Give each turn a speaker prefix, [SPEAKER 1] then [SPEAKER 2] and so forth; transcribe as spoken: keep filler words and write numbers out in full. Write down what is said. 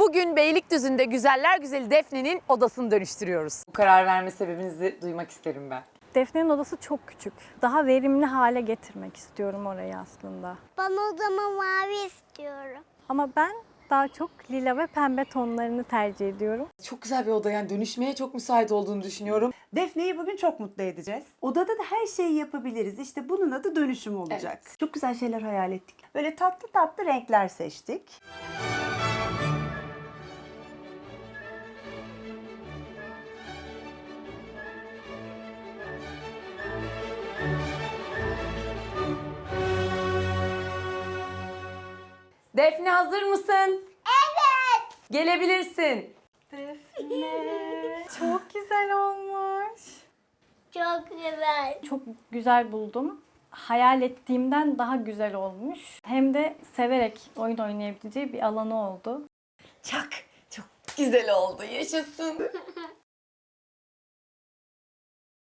[SPEAKER 1] Bugün Beylikdüzü'nde güzeller güzeli Defne'nin odasını dönüştürüyoruz. Bu karar verme sebebinizi duymak isterim ben.
[SPEAKER 2] Defne'nin odası çok küçük. Daha verimli hale getirmek istiyorum orayı aslında.
[SPEAKER 3] Ben o zaman mavi istiyorum.
[SPEAKER 2] Ama ben daha çok lila ve pembe tonlarını tercih ediyorum.
[SPEAKER 1] Çok güzel bir oda, yani dönüşmeye çok müsait olduğunu düşünüyorum.
[SPEAKER 4] Defne'yi bugün çok mutlu edeceğiz. Odada da her şeyi yapabiliriz. İşte bunun adı dönüşüm olacak.
[SPEAKER 1] Evet.
[SPEAKER 4] Çok güzel şeyler hayal ettik. Böyle tatlı tatlı renkler seçtik.
[SPEAKER 1] Defne, hazır mısın?
[SPEAKER 3] Evet.
[SPEAKER 1] Gelebilirsin.
[SPEAKER 2] Defne çok güzel olmuş.
[SPEAKER 3] Çok güzel.
[SPEAKER 2] Çok güzel buldum. Hayal ettiğimden daha güzel olmuş. Hem de severek oyun oynayabileceği bir alanı oldu.
[SPEAKER 1] Çok, çok güzel oldu. Yaşasın.